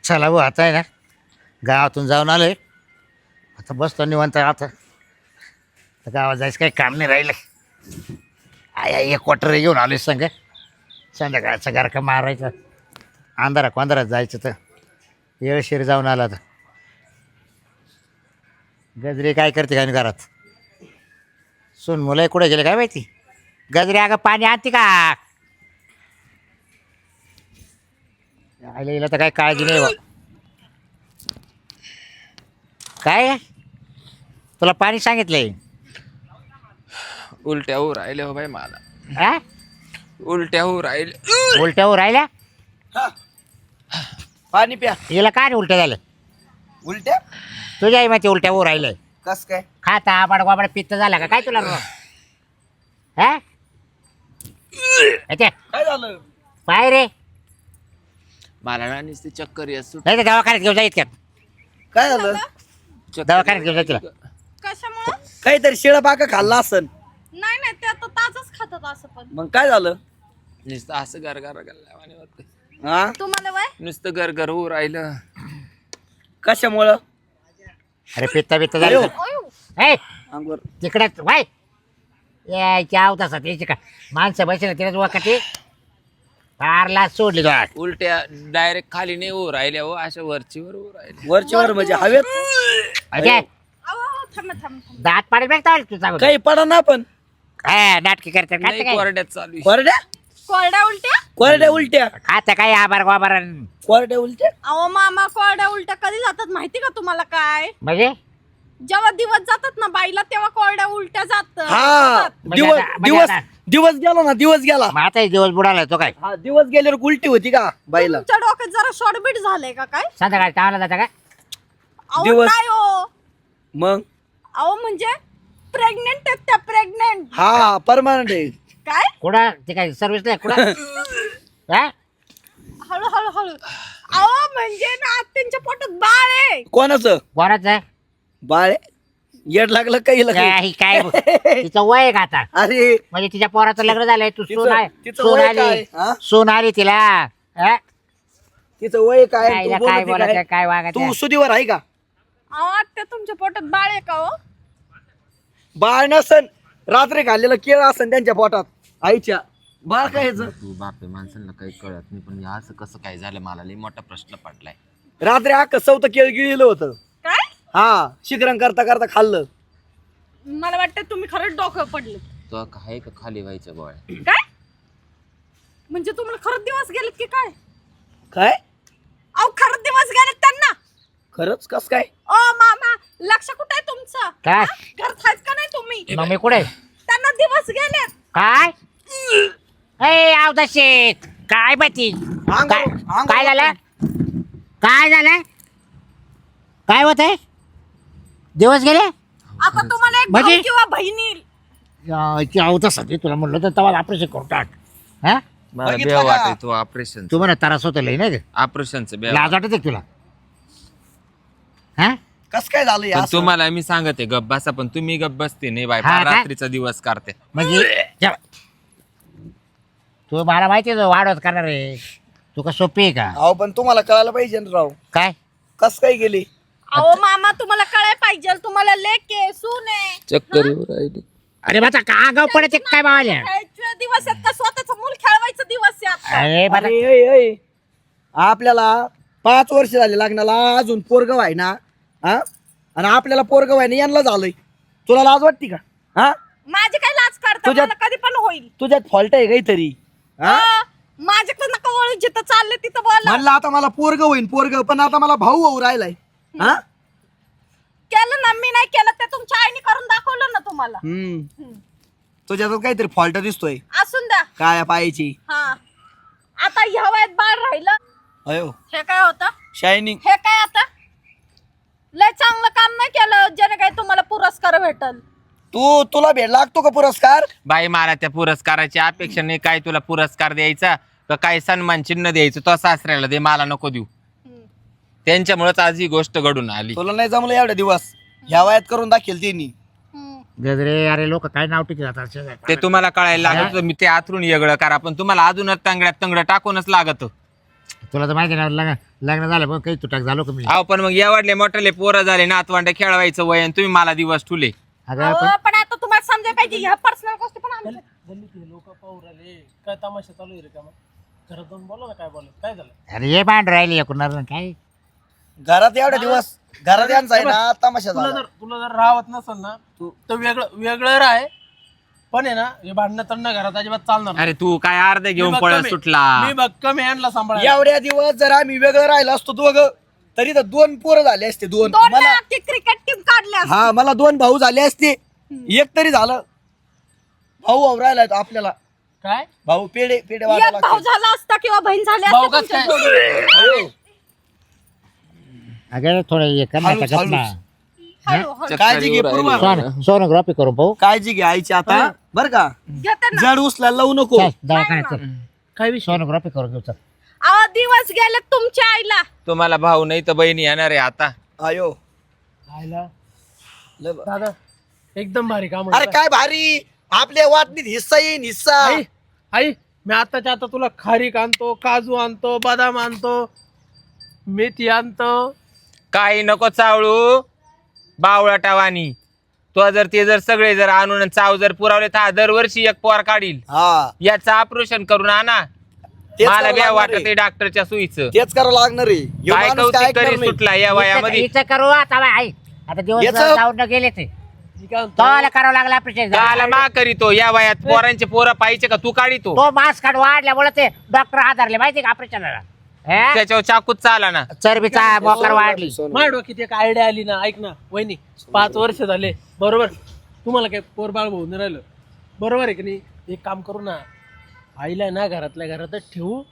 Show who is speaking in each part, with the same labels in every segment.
Speaker 1: चला भाऊ आता आहे ना गावातून जाऊन आलोय. आता बसतो निवांत. आता गावात जायचं काही काम नाही राहिलं. एक क्वार्टर घेऊन आलोय संग. संध्याकाळचा गारखा मारायचा. अंधारात जायचं तर येळशीर जाऊन आला तर. गजरे काय करते काय घरात. सून मुलं कुठे गेले काय माहिती. गजरे अगं पाणी आणते का. आईला तर काय काळजी नाही बा. काय तुला पाणी सांगितलंय.
Speaker 2: उलट्या होऊ राहिले हो बाई मला.
Speaker 1: हा
Speaker 2: उलट्या होऊ राहिले.
Speaker 1: उलट्या राहिल्या.
Speaker 3: पाणी प्या.
Speaker 1: हिला काय नाही उलट्या झालं.
Speaker 3: उलट्या
Speaker 1: तुझ्या आई माहिती उलट्या होऊ राहिलंय.
Speaker 3: कस काय?
Speaker 1: खाता आबाड गोबाड पित्त झाला का काय तुला हा अच्छा,
Speaker 3: काय झालं?
Speaker 1: पाय रे.
Speaker 2: मला ना नुसती चक्कर येत सुट.
Speaker 1: नाही तर दवाखान्यात घेऊन जा इतक्यात.
Speaker 3: काय झालं?
Speaker 1: दवाखान्यात घेऊन जा तिला.
Speaker 4: कशामुळं?
Speaker 3: काहीतरी शिळा पाका खाल्ला असन.
Speaker 4: नाही नाही ते आता ताजच खातात असं पण.
Speaker 3: मग काय झालं?
Speaker 2: नुसतं असं गरगर गल्ल्यावानी होतं.
Speaker 3: हा
Speaker 4: तुम्हाला वय
Speaker 2: नुसतं गरगर होऊ राहिलं.
Speaker 3: कशामुळं?
Speaker 1: अरे पित्त बित्त झालं. ए
Speaker 3: अंगवर
Speaker 1: तिकडेच वाय यायची आवत असत यायची का माणसं बसले तिलाच वाकते. फारला सोडली तो.
Speaker 2: उलट्या डायरेक्ट खाली नाही होऊ राहिल्या हो, अशा वरचीवर होऊ राहिल्या.
Speaker 3: वरचीवर म्हणजे हवेत.
Speaker 1: अजय
Speaker 4: अहो थांब
Speaker 1: दात पाडी बघता तू सांगू.
Speaker 3: काही पडा ना पण.
Speaker 1: काय नाटकी करते
Speaker 2: नाही
Speaker 1: काय
Speaker 2: कोरड्यात चालू आहे.
Speaker 3: कोरड्या
Speaker 4: कोरड्या उलट्या.
Speaker 3: कोरड्या उलट्या.
Speaker 1: खाता काय आबार गोबार
Speaker 3: कोरड्या उलट्या.
Speaker 4: अहो मामा कोरड्या उलट्या कधी जातात माहिती का तुम्हाला काय?
Speaker 1: म्हणजे
Speaker 4: जेव्हा दिवस जातात ना बाईला तेव्हा कोरड्या उलट्या
Speaker 3: हा
Speaker 4: जातात.
Speaker 1: म्हणजे
Speaker 3: दिवस
Speaker 1: आता- म्हणजे
Speaker 3: दिवस
Speaker 1: आता-
Speaker 3: दिवस गेला ना. दिवस गेला.
Speaker 1: मग आता दिवस बुडाला तो काय
Speaker 3: हा दिवस गेल्यावर उलटी होती का बाईला?
Speaker 4: तुमच्या डोक्यात जरा शॉर्टबीट झालंय का काय?
Speaker 1: संध्याकाळी चावला जाता का.
Speaker 4: अहो
Speaker 3: दिवस-
Speaker 4: काय हो?
Speaker 3: मग
Speaker 4: अहो म्हणजे प्रेग्नेंट आहेत त्या प्रेग्नेंट.
Speaker 3: हा परमानंट आहे.
Speaker 4: काय?
Speaker 1: कुठं ते काय सर्व्हिसला कुठं हा
Speaker 4: हळू हळू हळू. अहो म्हणजे ना त्यांच्या पोटात बाळ आहे.
Speaker 3: कोणाचं
Speaker 1: कोणाच आहे
Speaker 3: बाळ? येड लागलं काही
Speaker 1: काय काय तिचं वय आहे का आता.
Speaker 3: अरे
Speaker 1: म्हणजे तिच्या पोराचं लग्न झालंय. तू
Speaker 3: तिचं-
Speaker 1: सून आहे
Speaker 3: तिचं
Speaker 1: सून
Speaker 3: वय
Speaker 1: आली
Speaker 3: काय? हा?
Speaker 1: सून आली तिला हा?
Speaker 3: तिचं वय काय?
Speaker 1: काय
Speaker 3: तू
Speaker 1: काय
Speaker 3: बोलती
Speaker 1: बोलायचं
Speaker 3: काय?
Speaker 1: काय वागायचं.
Speaker 3: तू सुदीवर आहे का?
Speaker 4: अहो आत्या तुमच्या पोटात बाळ आहे का हो?
Speaker 3: बाळ नसन रात्री खाल्लेलं केळं असन त्यांच्या पोटात आईच्या. बाळ काय ह्याचं?
Speaker 2: तू बापे माणसांना काही कळत नाही, पण हे असं कसं काय झालं मला लई मोठा प्रश्न पडलाय.
Speaker 3: रात्री अख्खं चौथं केळ गिळलं होतं.
Speaker 4: काय?
Speaker 3: हा शिकरण करता करता खाल्लं.
Speaker 4: मला वाटतं तुम्ही खरंच डोकं पडले.
Speaker 2: तो काय का खाली व्हायचं गोळ्या.
Speaker 4: काय म्हणजे तुम्हाला खरंच दिवस गेलेत की काय?
Speaker 3: काय
Speaker 4: अहो खरंच दिवस गेलेत त्यांना.
Speaker 3: खरंच कस काय?
Speaker 4: ओ मामा लक्ष कुठे आहे तुमचं?
Speaker 1: काय
Speaker 4: घरात आहेत का नाही तुम्ही?
Speaker 1: मग मी कुठे
Speaker 4: त्यांना दिवस गेलेत.
Speaker 1: काय ए आवदाशे काय माहिती काय काय झालं काय झालं काय होत आहे दिवस गेले.
Speaker 4: आता तुम्हाला एक
Speaker 1: म्हणजे?
Speaker 4: भाऊ किंवा बहिणी
Speaker 1: आवतासाठी तुला म्हणलं तर तेव्हा ऑपरेशन करून टाक. हा
Speaker 2: मला
Speaker 3: बघितलं
Speaker 2: बेव
Speaker 3: का?
Speaker 2: वाटत तू ऑपरेशन
Speaker 1: तू म्हणा त्रास होतो लई नाही
Speaker 2: ऑपरेशनचं बेव
Speaker 1: लाज वाटत तुला हा
Speaker 3: कस काय झालं हे
Speaker 2: पण
Speaker 3: असं?
Speaker 2: तुम्हाला मी सांगते गप बसा, पण तुम्ही गप बसते नाही बाय.
Speaker 1: हा
Speaker 2: फार
Speaker 1: काय?
Speaker 2: रात्रीचा दिवस करते.
Speaker 1: म्हणजे तू मला माहिती आहे वाढवत करणार आहे. तू का सोपी आहे का
Speaker 3: अहो पण तुम्हाला कळायला पाहिजे ना राव.
Speaker 1: काय
Speaker 3: कस काय गेली?
Speaker 4: अहो मामा तुम्हाला कळाय पाहिजे तुम्हाला लेक आहे सून आहे.
Speaker 2: चक्कर येऊ राहिली.
Speaker 1: अरे माझा का गाव पडत काय बावाल्या.
Speaker 4: खेळायचे दिवस आहेत का स्वतःच मूल खेळवायचं दिवस आहे आता?
Speaker 1: अरे माझा
Speaker 3: अरे, ऐ, ऐ. आपल्याला 5 वर्ष झाले लग्नाला अजून पोरग व्हाय ना. हा आणि आपल्याला पोरग व्हाय ना यांना झालंय. तुला लाज वाटते का? हा
Speaker 4: माझी काय लाज काढता
Speaker 3: तुझ्यात-
Speaker 4: मला कधी पण होईल.
Speaker 3: तुझ्यात फॉल्ट आहे काहीतरी. हा
Speaker 4: माझ्याकडे नका वळू जिथं चालले तिथं बोला.
Speaker 3: म्हणलं आता मला पोरग होईन पोरग, पण आता मला भाऊ होऊ राहिलाय. हा
Speaker 4: केलं ना मी नाही केलं ते तुमच्या आईने करून दाखवलं ना तुम्हाला.
Speaker 3: तुझ्यात काहीतरी फॉल्ट दिसतोय
Speaker 4: असून द्या.
Speaker 3: काय पायाची.
Speaker 4: हा आता ह्या वयात बाळ राहिलं
Speaker 3: अयो
Speaker 4: हे काय होतं?
Speaker 3: शायनिंग.
Speaker 4: हे काय आता लय चांगलं काम नाही केलं ज्याने काय तुम्हाला पुरस्कार भेटल.
Speaker 3: तुला भेट लागतो का पुरस्कार?
Speaker 2: बाई मला त्या पुरस्काराची अपेक्षा नाही. काय तुला पुरस्कार द्यायचा का काय सन्मान चिन्ह द्यायचं तो सासऱ्याला दे, मला नको देऊ. त्यांच्यामुळेच आज ही गोष्ट घडून आली.
Speaker 3: तुला नाही जमलं एवढ्या दिवस. ह्या वयात करून दाखेल त्यांनी.
Speaker 1: गजरे अरे लोक काय नाव टिकत जातात.
Speaker 2: ते तुम्हाला कळायला लागत. मी ते आतरून वेगळं करा, पण तुम्हाला अजूनच तांगड्यात तंगड टाकूनच लागत.
Speaker 1: तुला तर माहिती ना लग्न झालं पण काही तुटाक झालो का मी
Speaker 2: अहो पण मग एवढले मोठले पोरं झाले नातवंड खेळवायचं वय आणि तुम्ही मला दिवस ठुले.
Speaker 1: अगं
Speaker 4: अहो,
Speaker 1: पण
Speaker 4: पण आता तुम्हाला समजायला पाहिजे ह्या पर्सनल गोष्टी पण आमच्या
Speaker 5: गल्लीतले लोक पाहू राहिले काय तमाशा चालू आहे रे का मग घरात जाऊन बोला ना काय बोलत काय झालं.
Speaker 1: अरे हे भांड राहिले एकूण काय
Speaker 3: घरात एवढे दिवस घरात यांचा आहे ना तमाशा झाला.
Speaker 5: तुला जर राहत नसेल ना तर वेगळं राह पण आहे ना हे भांडणं तंडणं घरात अजिबात चालणार नाही.
Speaker 2: अरे तू काय अर्धे घेऊन
Speaker 5: मी
Speaker 2: पळ
Speaker 5: भक्कम आहे.
Speaker 2: सुटला.
Speaker 5: मी भक्कम हँडला सांभाळा.
Speaker 3: एवढ्या दिवस जर आम्ही वेगळं राहिलो असतो दोघं तरी तर 2 पोरं झाले असते 2
Speaker 4: दोन
Speaker 3: मला.
Speaker 4: क्रिकेट टीम काढल्या
Speaker 3: हा मला 2 भाऊ झाले असते एक तरी झालं. भाऊ राहिलाय तो आपल्याला
Speaker 5: काय
Speaker 3: भाऊ पेढे
Speaker 4: एक
Speaker 3: वाटायला
Speaker 4: भाऊ
Speaker 3: लागते.
Speaker 4: झाला असता किंवा बहीण झाली
Speaker 5: भाऊ
Speaker 4: असती
Speaker 5: कसं
Speaker 4: तुमच्या
Speaker 5: काय?
Speaker 4: जोडी.
Speaker 1: अगं थोडं हे कर ना
Speaker 3: हळूच,
Speaker 1: त्याच्यात ना
Speaker 3: हळूच.
Speaker 4: हळू, हळू.
Speaker 3: काळजी घे पूर्वा.
Speaker 1: सोनोग्राफी करून पाहू
Speaker 3: काळजी घे आईची आता बर का
Speaker 4: घेते ना.
Speaker 3: जड उचलायला लावू नको.
Speaker 1: चल दवाखान्यात चल.
Speaker 5: काय विषय
Speaker 1: सोनोग्राफी करून घेऊ चल.
Speaker 4: अहो, दिवस गेले तुमच्या आईला.
Speaker 2: तुम्हाला भाऊ नाही तर बहिणी येणार आहे आता.
Speaker 3: आयो
Speaker 5: खायला
Speaker 3: लय बा-
Speaker 5: दादा एकदम भारी काम
Speaker 3: अरे काय भारी आपल्या वाटणीत हिस्सा येईन हिस्सा.
Speaker 5: आई आई मी आताच्या आता तुला खारीक आणतो काजू आणतो बदाम आणतो मेथी आणतो.
Speaker 2: काही नको चावळू बावळाटावानी. तो जर ते जर सगळे जर आणून चाव जर पुरावले तर हा दरवर्षी एक पोर काढील.
Speaker 3: हा
Speaker 2: याचं ऑपरेशन करून आणा.
Speaker 3: तेच
Speaker 2: मला
Speaker 3: करावं
Speaker 2: बी
Speaker 3: लागणार
Speaker 2: वाटत
Speaker 3: आहे.
Speaker 2: आहे डॉक्टरच्या सुईचं.
Speaker 3: तेच करावं लागणार आहे. ह्यो
Speaker 2: काय
Speaker 3: माणूस काय
Speaker 2: कौतिक
Speaker 3: ऐकणार
Speaker 2: करी
Speaker 3: नाही.
Speaker 2: सुटला या वयामध्ये.
Speaker 1: हिचं करू आता बाय आई आता दिवस
Speaker 3: याचं-
Speaker 1: जाऊन न गेले ते
Speaker 5: मी काय म्हणतो,
Speaker 1: तोला करावं लागला ऑपरेशन
Speaker 2: त्याला मा करीतो या वयात पोरांचे पोरं पाहिजे का तू काढितो.
Speaker 1: तो मास्क काढ वाढल्यामुळे ते डॉक्टर आधारले माहिती का ऑपरेशनला
Speaker 2: त्याच्यावर चाकूच चाला ना.
Speaker 1: चरबीचा मोकर वाढली
Speaker 5: माझ्या डोक्यात एक आयडिया आली ना ऐक ना वहिनी 5 वर्ष झाले बरोबर तुम्हाला काय पोरबाळ भाऊ नाही राहिलं बरोबर आहे की नाही. एक काम करू ना आईला ना घरातल्या घरातच ठेवू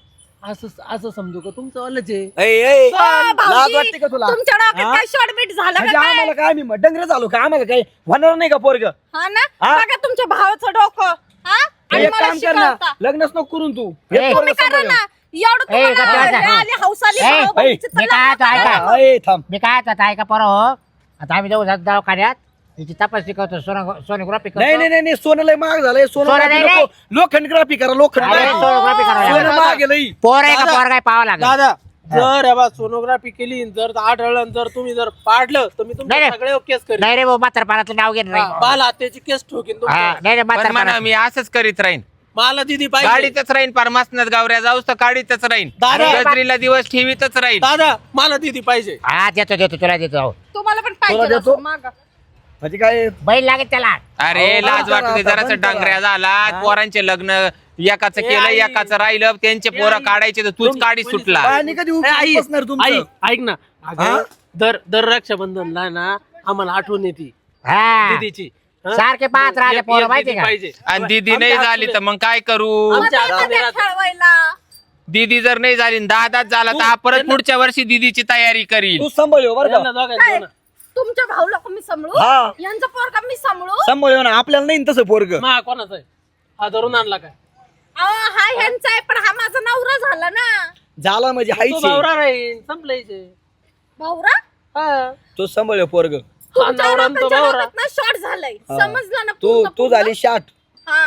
Speaker 5: असं समजू का तुमचं वालच आहे.
Speaker 3: ए, ए,
Speaker 4: अहो,
Speaker 3: लाज
Speaker 4: भाऊजी,
Speaker 3: वाटते का तुला?
Speaker 4: तुमच्या डोक्यात
Speaker 3: हा?
Speaker 4: काय शॉर्टबीट झालं
Speaker 3: म्हणजे
Speaker 4: का काय?
Speaker 3: आम्हाला काय आम्ही डंगर झालो का आम्हाला काय होणार नाही का पोरग.
Speaker 4: हा ना
Speaker 3: हा?
Speaker 4: बघा तुमच्या भावाचं डोकं. हा आणि
Speaker 3: एक
Speaker 4: मला
Speaker 3: काम कर ना
Speaker 4: शिकवता.
Speaker 3: लग्नच नको करून तू
Speaker 1: ए,
Speaker 3: हे पोरगं
Speaker 4: तुम्ही करा
Speaker 3: सांभाळ.
Speaker 4: ना एवढं
Speaker 1: ए,
Speaker 4: तुम्हाला
Speaker 1: गप्प बसा.
Speaker 4: हे आली हौस आली
Speaker 1: ए,
Speaker 4: भाऊ बहिणीची तर
Speaker 1: मी काय
Speaker 4: लग्न
Speaker 1: आता ऐका.
Speaker 4: करा.
Speaker 3: हा, ए, थांब
Speaker 1: मी काय आता ऐका पोरं हो आता आम्ही जाऊ दवाखान्यात तिची तपासणी करतो सोनोग्राफी
Speaker 3: नाही
Speaker 1: करतो
Speaker 3: नाही नाही सोनं लय महाग झालंय
Speaker 1: सोनं नाही,
Speaker 3: नको लोखंडग्राफी करा
Speaker 1: अरे,
Speaker 3: लोखंड
Speaker 1: सोनोग्राफी करावं लागेल.
Speaker 3: सोनं महाग आहे लई.
Speaker 1: पोर आहे का पोर काय पाहावं लागेल
Speaker 5: दादा जर हे बा सोनोग्राफी केली जर आढळलं जर तुम्ही जर पाडलं तर मी
Speaker 1: नाही,
Speaker 5: तुमच्या
Speaker 1: नाही.
Speaker 5: सगळे केस करेन.
Speaker 1: नाही रे भाऊ म्हातारपणातलं नाव घेत नाही
Speaker 5: बाल हत्याची केस ठोकीन
Speaker 1: हा,
Speaker 5: तुमच्या.
Speaker 1: नाही रे
Speaker 2: पण म्हणा
Speaker 1: म्हातारपणा
Speaker 2: मी असंच करीत राहीन.
Speaker 5: मला दिदी पाहिजे
Speaker 2: गाडीतच राहीन परमासनात गावऱ्या जाऊस तर गाडीतच राहीन.
Speaker 5: दादा.
Speaker 2: गजरीला दिवस ठेवीतच राहीन.
Speaker 5: दादा मला दिदी पाहिजे.
Speaker 1: हा देतो तुला देतो
Speaker 4: तुम्हाला पण
Speaker 3: तुला
Speaker 4: पाहिजे
Speaker 3: देतो?
Speaker 4: असं मागं.
Speaker 3: म्हणजे काय
Speaker 1: बैल लागेल त्याला
Speaker 2: अरे
Speaker 3: अहो,
Speaker 2: लाज
Speaker 3: बंद
Speaker 2: वाटते
Speaker 3: करा आता,
Speaker 2: जरासं
Speaker 3: बंद करा.
Speaker 2: डांगऱ्या झाला पोरांचे लग्न एकाचं केलं
Speaker 5: आई.
Speaker 2: एकाचं राहिलं त्यांचे पोरं
Speaker 5: आई.
Speaker 2: काढायचे तर तूच काढी सुटला.
Speaker 3: पाणी कधी
Speaker 5: ए, आई
Speaker 3: बसणार
Speaker 5: आई
Speaker 3: तुमचं
Speaker 5: ऐक ना अगं, दर रक्षाबंधनला ना आम्हाला आठवण येते
Speaker 1: हा
Speaker 5: दीदीची. हं?
Speaker 1: सारखे पाहत राहिले
Speaker 5: एक-
Speaker 1: पोरं
Speaker 5: एक
Speaker 1: माहिती
Speaker 5: दीदी
Speaker 1: का
Speaker 5: पाहिजे.
Speaker 2: आणि दीदी नाही
Speaker 5: आमच्या
Speaker 2: झाली तर
Speaker 5: हातून
Speaker 2: मग काय करू.
Speaker 5: आमच्या
Speaker 4: मला
Speaker 5: हातून
Speaker 4: द्या
Speaker 5: राहते.
Speaker 4: खेळवायला.
Speaker 2: दीदी जर नाही झाली 10 झाला तर हा परत पुढच्या वर्षी दीदीची तयारी करील.
Speaker 3: तू सांभाळ बरं
Speaker 5: यांना
Speaker 3: का
Speaker 5: दोघांना
Speaker 4: काय
Speaker 5: देऊ ना.
Speaker 4: तुमच्या भाऊ लोक मी सांभाळू
Speaker 3: हा.
Speaker 4: यांचं पोरगा मी सांभाळू
Speaker 3: सांभाळ ना आपल्याला नाही तसं पोरग
Speaker 5: मा कोणाचा आहे हा धरून आणला काय
Speaker 4: अहो, हा ह्यांचा आहे पण हा माझा नवरा झाला ना
Speaker 3: झाला म्हणजे
Speaker 5: तो
Speaker 3: हायचे
Speaker 5: भावरा राहील संपलायचे
Speaker 4: भाऊरा
Speaker 5: हा
Speaker 3: तो सांभाळ पोरग
Speaker 4: तुमच्या
Speaker 5: नवरा आणि तो
Speaker 4: लोकांच्या
Speaker 5: भावरा.
Speaker 4: डोक्यात ना शॉर्ट झालंय
Speaker 3: हा.
Speaker 4: समजलं ना
Speaker 3: तू
Speaker 4: पूर्ण-
Speaker 3: तू
Speaker 4: पूर्ण?
Speaker 3: झाली शाट
Speaker 4: हा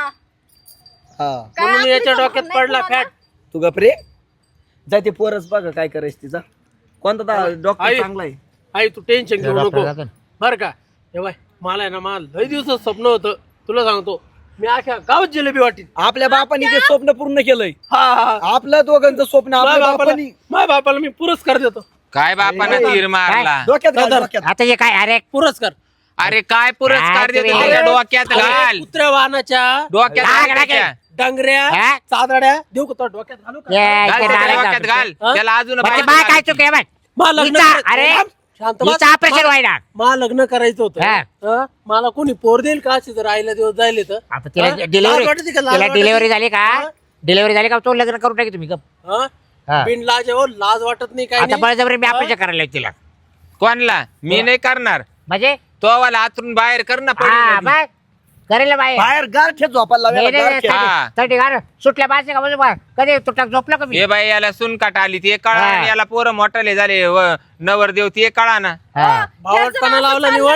Speaker 3: हा
Speaker 4: काय
Speaker 5: म्हणून
Speaker 4: आपली
Speaker 5: याच्या
Speaker 4: समज
Speaker 5: डोक्यात
Speaker 4: नाही
Speaker 5: पडला
Speaker 4: तुम्हाला?
Speaker 5: फॅट
Speaker 3: तू गपरे जा ते पोरच बघा काय करायचं तिचा कोणता डॉक्टर
Speaker 5: आई.
Speaker 3: चांगला आहे
Speaker 5: आई तू टेन्शन घेऊ
Speaker 1: डॉक्टर
Speaker 5: नको
Speaker 1: जातो.
Speaker 5: बर का हे बाय मला आहे ना मला लय दिवसात स्वप्न होतं तुला सांगतो मी अख्या गावात जिलेबी वाटीन
Speaker 3: आपल्या बापाने ते स्वप्न पूर्ण केलंय
Speaker 5: हा हा
Speaker 3: आपलं दोघांचं स्वप्न आपल्या बापाने
Speaker 5: माझ्या बापाला मी पुरस्कार देतो
Speaker 2: काय बापानं तीर मारला.
Speaker 3: डोक्यात घाल,
Speaker 5: दादा.
Speaker 3: डोक्यात.
Speaker 1: आता हे काय अरे
Speaker 5: पुरस्कार
Speaker 2: अरे काय पुरस्कार
Speaker 1: काय
Speaker 2: देतो
Speaker 1: तुम्ही-
Speaker 2: त्याच्या डोक्यात घाल.
Speaker 5: कुत्र्या वाहनाच्या
Speaker 2: डोक्यात
Speaker 1: काय-
Speaker 2: घाल
Speaker 1: काय-
Speaker 2: त्याच्या.
Speaker 5: डांगऱ्या
Speaker 1: हा?
Speaker 5: चादड्या देऊ का तो डोक्यात घालू का
Speaker 1: ये,
Speaker 2: घाल
Speaker 1: इथे
Speaker 2: त्याच्या
Speaker 1: नाराज
Speaker 2: डोक्यात
Speaker 1: झाला.
Speaker 2: घाल.
Speaker 5: हा?
Speaker 2: त्याला अजून
Speaker 1: म्हणजे
Speaker 2: बाहेर
Speaker 1: बाय
Speaker 2: घाल.
Speaker 1: काय चुके बाय
Speaker 5: मला लग्न
Speaker 1: हिचा-
Speaker 5: करायचं-
Speaker 1: अरे,
Speaker 5: शांत बस.
Speaker 1: हिचं ऑपरेशन व्हायला
Speaker 5: मला लग्न करायचं होतं
Speaker 1: हा.
Speaker 5: हं? मला कोणी पोर देईल का अशी जर आईला दिवस जायले तर
Speaker 1: आता तिला
Speaker 5: हा?
Speaker 1: डिलिव्हरी
Speaker 5: लाज वाटते का? लाज
Speaker 1: तिला
Speaker 5: वाटते?
Speaker 1: डिलिव्हरी झाली का
Speaker 5: हा?
Speaker 1: डिलिव्हरी झाली का तो लग्न करून टाकी तुम्ही गप.
Speaker 5: हं?
Speaker 1: हा.
Speaker 5: बिन लाज आहे हो, लाज वाटत नाही काय
Speaker 1: आता
Speaker 5: नाही
Speaker 1: बळजबरी मी ऑपरेशन करायला लावली तिला
Speaker 2: कोणला मी नाही करणार.
Speaker 1: म्हणजे
Speaker 2: तो वाला आतून बाहेर कर ना
Speaker 1: हा
Speaker 2: पडीमध्ये.
Speaker 1: बाय करेल बाय
Speaker 3: बाहेर गारठ्यात झोपायला लावायला गारठ्यात.
Speaker 2: हा.
Speaker 1: थर्टी गार सुटल्या बाजू का म्हणजे बा, कधी तुटक झोपलं का मी
Speaker 2: हे बाई याला सुनकाट आली ते कळा
Speaker 1: हा.
Speaker 2: आणि याला पोरं मोठाले झाले नवरदेव ते कळा ना.
Speaker 1: हा.
Speaker 4: ह्याचं
Speaker 5: बावटपणा
Speaker 4: नाव
Speaker 5: लावला
Speaker 4: चाललं
Speaker 5: निवड
Speaker 4: नसेल,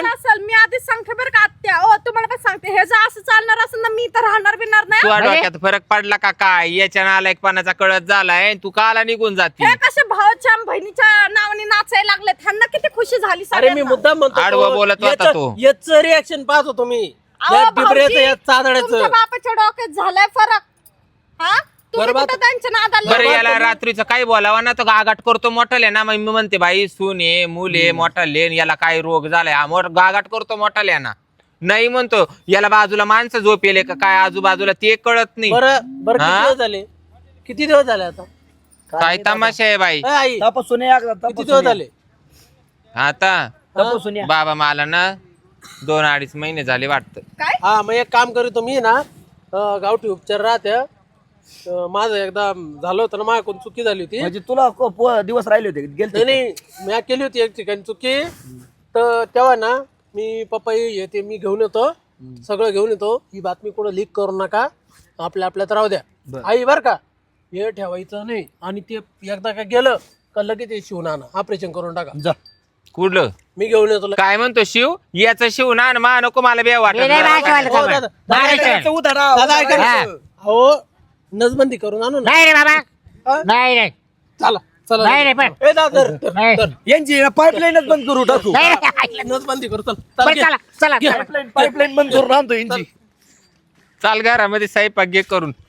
Speaker 4: मी आधीच सांगते बरं का आत्या ओ तुम्हाला पण सांगते हे जर असं चालणार असेल ना मी तर राहणार बिणार नाही
Speaker 2: तुझ्या
Speaker 1: म्हणजे?
Speaker 2: डोक्यात फरक पडला का काय याच्या नालायकपणाचा कळत झालाय तू काला निघून जाते
Speaker 4: हे कसे भावाच्या बहिणीच्या नावाने नाचायला लागले त्यांना किती खुशी झाली
Speaker 5: अरे मी
Speaker 4: सगळ्यांना.
Speaker 5: मुद्दा म्हणतो
Speaker 2: आडवं बोलत होता तो.
Speaker 5: याचं रिॲक्शन पाहत होतो मी
Speaker 4: अहो,
Speaker 5: या डिबऱ्याचं
Speaker 4: भाऊजी,
Speaker 5: या चादड्याचं
Speaker 4: तुमच्या बापाच्या डोक्यात झालाय फरक हा तुम्ही
Speaker 5: बरबाद-
Speaker 4: कुठं त्यांच्या नादाला
Speaker 2: बरं
Speaker 4: लागले?
Speaker 2: याला रात्रीचं काही बोलावा ना तो गागाट करतो मोठाले ना मग मी म्हणते बाई सून आहे मूल आहे मोठाले याला काय रोग झालाय हा गागाट करतो मोठाले ना नाही म्हणतो याला बाजूला माणसं झोप येले का काय आजूबाजूला ते कळत नाही
Speaker 5: बरं बरं
Speaker 2: हा?
Speaker 5: किती दिवस झाले किती दिवस झाले आता
Speaker 2: काय तमाशा आहे बाई
Speaker 5: ए, आई
Speaker 3: तपासून या एकदा,
Speaker 5: किती
Speaker 3: तपासून
Speaker 5: दिवस
Speaker 3: या.
Speaker 5: झाले
Speaker 2: आता
Speaker 3: तपासून या.
Speaker 2: बाबा मला ना 2-2.5 महिने झाले वाटतं
Speaker 4: काय
Speaker 5: हा मग एक काम करतो मी ना गावठी उपचार राहते माझं एकदा झालं होतं ना माझ्याकडून चुकी झाली होती
Speaker 3: म्हणजे तुला दिवस राहिले होते गेलते
Speaker 5: नाही मी केली होती एक ठिकाणी चुकी तर तेव्हा ना मी पपई येते मी घेऊन येतो सगळं घेऊन येतो ही बातमी कुठं लीक करू नका आपल्यात राहू द्या आई बर का हे ठेवायचं नाही आणि ते एकदा का गेलं का लगेच ते शिवून आणा ऑपरेशन करून टाका
Speaker 3: जा
Speaker 2: कुठलं
Speaker 5: मी घेऊन येतो
Speaker 2: काय म्हणतो शिव याचं शिव ना आणि मा नको मला बे
Speaker 1: हे नाही
Speaker 2: वाटत
Speaker 1: बायकोवालं
Speaker 5: हो,
Speaker 1: का
Speaker 5: दादा,
Speaker 1: मग? बायकोवालं.
Speaker 3: उधारा
Speaker 5: दादा ऐका ना.
Speaker 1: हा.
Speaker 5: हो नसबंदी करून आणू ना
Speaker 1: नाही रे बाबा
Speaker 5: हा?
Speaker 1: नाही रे
Speaker 5: चला चला
Speaker 1: नाही रे पण
Speaker 5: ए दादा धर, धर,
Speaker 1: नाही.
Speaker 5: धर.
Speaker 3: यांची पाईपलाईनच बंद करू टाकू
Speaker 1: नाही रे.
Speaker 5: नसबंदी करू चल
Speaker 1: बरं,
Speaker 5: घे.
Speaker 1: चला चला
Speaker 5: घे.
Speaker 3: पाईपलाईन बंद करून आणतो यांची
Speaker 2: चाल घरामध्ये स्वयंपाक घे करून